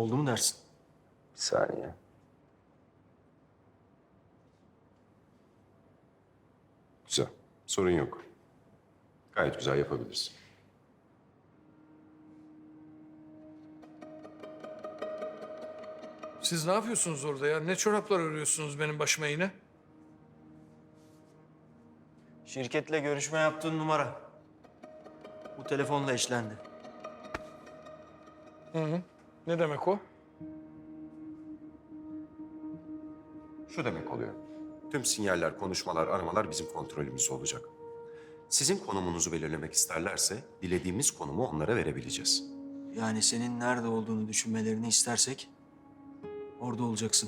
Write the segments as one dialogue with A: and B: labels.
A: Oldu mu dersin?
B: Bir saniye. Güzel. Sorun yok. Gayet güzel yapabilirsin.
C: Siz ne yapıyorsunuz orada ya? Ne çoraplar örüyorsunuz benim başıma yine?
A: Şirketle görüşme yaptığın numara. Bu telefonla eşlendi.
C: Ne demek o?
B: Şu demek oluyor. Tüm sinyaller, konuşmalar, aramalar bizim kontrolümüzde olacak. Sizin konumunuzu belirlemek isterlerse dilediğimiz konumu onlara verebileceğiz.
A: Yani senin nerede olduğunu düşünmelerini istersek orada olacaksın.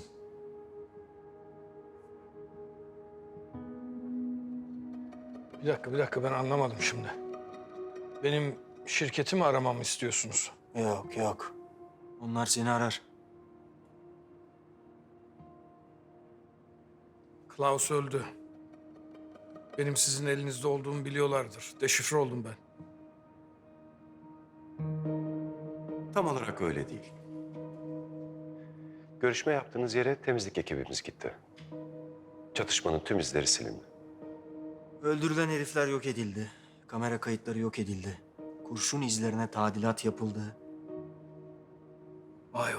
C: Bir dakika ben anlamadım şimdi. Benim şirketimi aramamı istiyorsunuz.
A: Yok. Onlar seni arar.
C: Klaus öldü. Benim sizin elinizde olduğumu biliyorlardır. Deşifre oldum ben.
B: Tam olarak öyle değil. Görüşme yaptığınız yere temizlik ekibimiz gitti. Çatışmanın tüm izleri silindi.
A: Öldürülen herifler yok edildi. Kamera kayıtları yok edildi. Kurşun izlerine tadilat yapıldı.
C: Vay.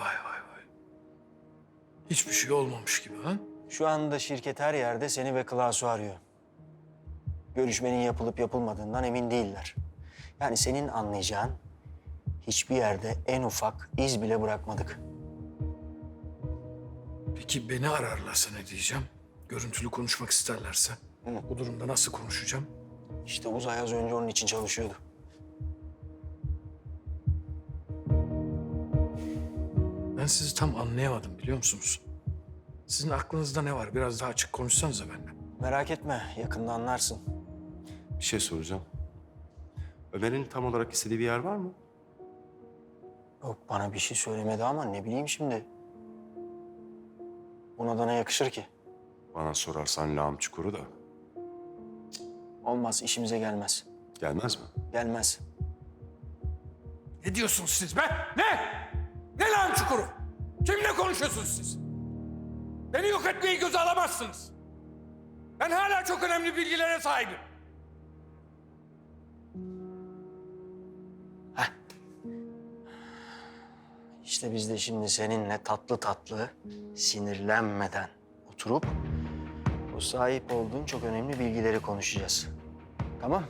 C: Hiçbir şey olmamış gibi ha?
A: Şu anda şirket her yerde seni ve Klaus'u arıyor. Görüşmenin yapılıp yapılmadığından emin değiller. Yani senin anlayacağın hiçbir yerde en ufak iz bile bırakmadık.
C: Peki beni ararlarsa ne diyeceğim? Görüntülü konuşmak isterlerse. Bu durumda nasıl konuşacağım?
A: İşte Uzay az önce onun için çalışıyordu.
C: Ben sizi tam anlayamadım biliyor musunuz? Sizin aklınızda ne var? Biraz daha açık konuşsanıza benimle.
A: Merak etme, yakında anlarsın.
B: Bir şey soracağım. Ömer'in tam olarak istediği bir yer var mı?
A: Yok, bana bir şey söylemedi ama ne bileyim şimdi. Buna da ne yakışır ki?
B: Bana sorarsan lağım çukuru da.
A: Olmaz, işimize gelmez.
B: Gelmez mi?
A: Gelmez.
C: Ne diyorsunuz siz be? Ne? Ne lan çukuru? Kimle konuşuyorsunuz siz? Beni yok etmeyi göze alamazsınız. Ben hala çok önemli bilgilere sahibim.
A: İşte biz de şimdi seninle tatlı tatlı, sinirlenmeden oturup o sahip olduğun çok önemli bilgileri konuşacağız. Tamam?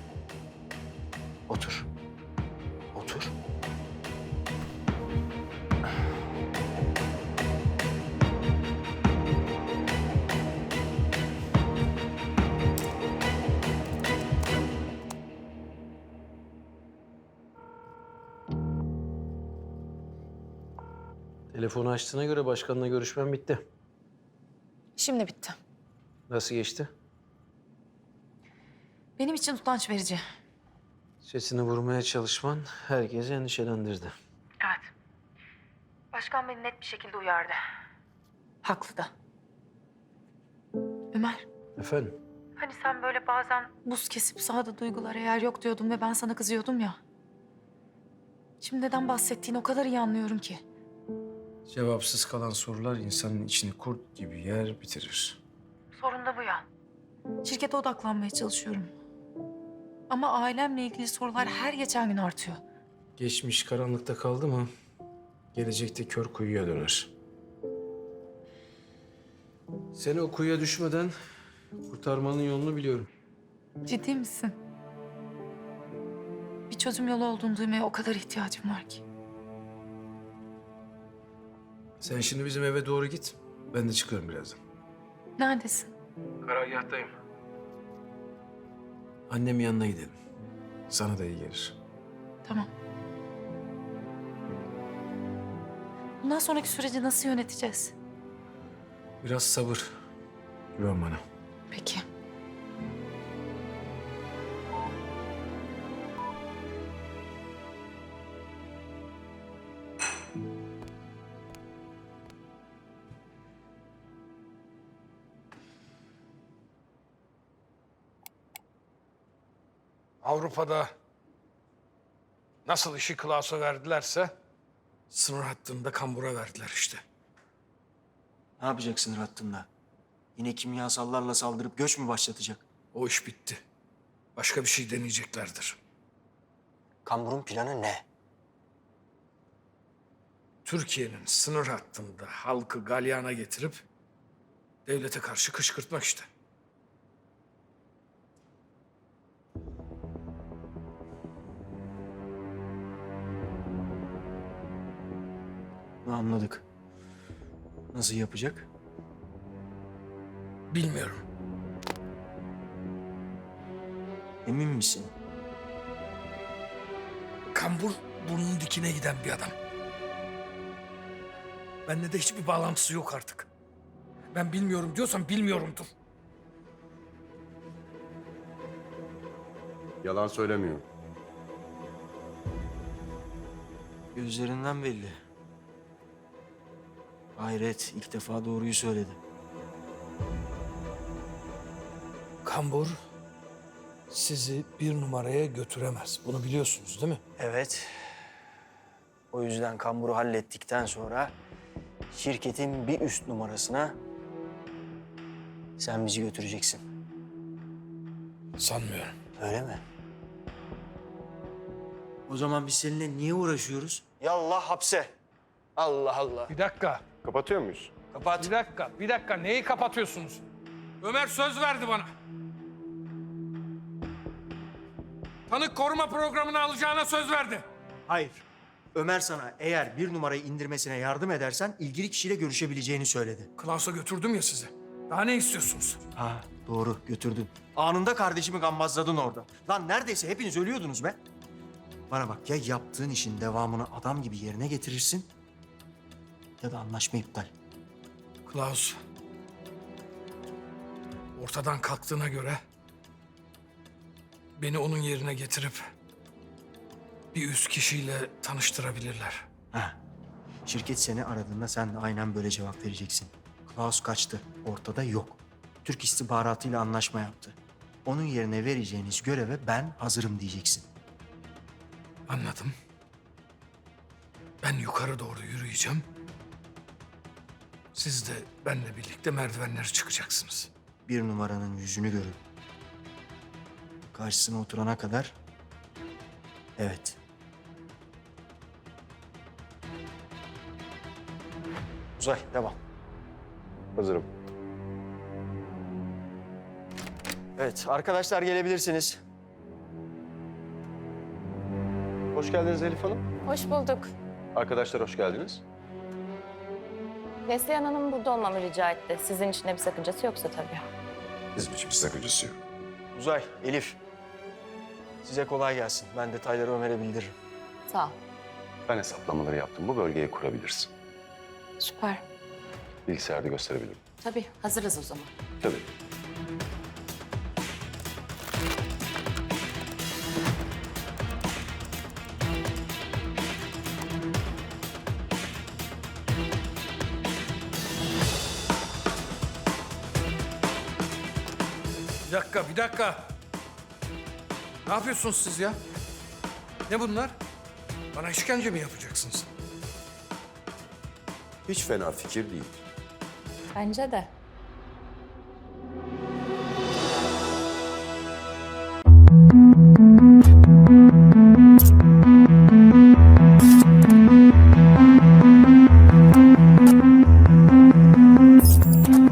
A: Otur. Otur.
D: Telefonu açtığına göre başkanla görüşmem bitti.
E: Şimdi bitti.
D: Nasıl geçti?
E: Benim için utanç verici.
D: Sesini vurmaya çalışman herkesi endişelendirdi.
E: Evet. Başkan beni net bir şekilde uyardı. Haklı da. Ömer,
D: Efendim?
E: hani sen böyle bazen buz kesip sahada duygulara yer yok diyordun ve ben sana kızıyordum ya. Şimdi neden bahsettiğini o kadar iyi anlıyorum ki.
C: Cevapsız kalan sorular insanın içini kurt gibi yer bitirir.
E: Sorun da bu ya. Şirkete odaklanmaya çalışıyorum. Ama ailemle ilgili sorular her geçen gün artıyor.
C: Geçmiş karanlıkta kaldı mı gelecekte kör kuyuya döner.
D: Seni o kuyuya düşmeden kurtarmanın yolunu biliyorum.
E: Ciddi misin? Bir çözüm yolu olduğunu duymaya o kadar ihtiyacım var ki.
C: Sen şimdi bizim eve doğru git. Ben de çıkıyorum birazdan.
E: Neredesin?
C: Karargahtayım. Annemin yanına gidelim. Sana da iyi gelir.
E: Tamam. Bundan sonraki süreci nasıl yöneteceğiz?
C: Biraz sabır. Güven bana.
E: Peki.
C: Avrupa'da nasıl işi Klaus'a verdilerse Sınır hattında kambura verdiler işte.
A: Ne yapacak sınır hattında? Yine kimyasallarla saldırıp göç mü başlatacak?
C: O iş bitti. Başka bir şey deneyeceklerdir.
A: Kambur'un planı ne?
C: Türkiye'nin sınır hattında halkı galyana getirip devlete karşı kışkırtmak işte.
A: Bunu anladık. Nasıl yapacak?
C: Bilmiyorum.
A: Emin misin?
C: Kambur burnunun dikine giden bir adam. Benimle de hiçbir bağlantısı yok artık. Ben bilmiyorum diyorsam bilmiyorumdur.
B: Yalan söylemiyor.
A: Gözlerinden belli. Hayret, ilk defa doğruyu söyledi.
C: Kambur sizi bir numaraya götüremez. Bunu biliyorsunuz değil mi?
A: Evet. O yüzden Kambur'u hallettikten sonra şirketin bir üst numarasına sen bizi götüreceksin.
C: Sanmıyorum.
A: Öyle mi? O zaman biz seninle niye uğraşıyoruz? Yallah hapse. Allah Allah.
C: Bir dakika.
B: Kapatıyor muyuz?
A: Kapat.
C: Bir dakika. Neyi kapatıyorsunuz? Ömer söz verdi bana. Tanık koruma programını alacağına söz verdi.
A: Hayır. Ömer sana eğer bir numarayı indirmesine yardım edersen ilgili kişiyle görüşebileceğini söyledi.
C: Klaus'a götürdüm ya sizi. Daha ne istiyorsunuz?
A: Ha doğru götürdün. Anında kardeşimi gambazladın orada. Lan neredeyse hepiniz ölüyordunuz be. Bana bak ya yaptığın işin devamını adam gibi yerine getirirsin ya da anlaşma iptal.
C: Klaus ortadan kalktığına göre beni onun yerine getirip bir üst kişiyle tanıştırabilirler.
A: Ha. Şirket seni aradığında sen de aynen böyle cevap vereceksin. Klaus kaçtı. Ortada yok. Türk istihbaratıyla anlaşma yaptı. Onun yerine vereceğiniz göreve ben hazırım diyeceksin.
C: Anladım. Ben yukarı doğru yürüyeceğim. Siz de benimle birlikte merdivenleri çıkacaksınız.
A: Bir numaranın yüzünü görüp karşısına oturana kadar evet. Uzay devam.
B: Hazırım.
A: Evet arkadaşlar gelebilirsiniz.
B: Hoş geldiniz Elif Hanım.
F: Hoş bulduk.
B: Arkadaşlar hoş geldiniz.
F: Neslihan Hanım burada olmamı rica etti. Sizin için de bir sakıncası yoksa tabii.
B: Bizim için bir sakıncası yok.
A: Uzay, Elif. Size kolay gelsin. Ben detayları Ömer'e bildiririm.
F: Sağ ol.
B: Ben hesaplamaları yaptım. Bu bölgeyi kurabilirsin.
F: Süper.
B: Bilgisayarda gösterebilirim.
F: Tabii hazırız o zaman.
B: Tabii.
C: Bir dakika. Ne yapıyorsunuz siz ya? Ne bunlar? Bana işkence mi yapacaksınız?
B: Hiç fena fikir değil.
F: Bence de.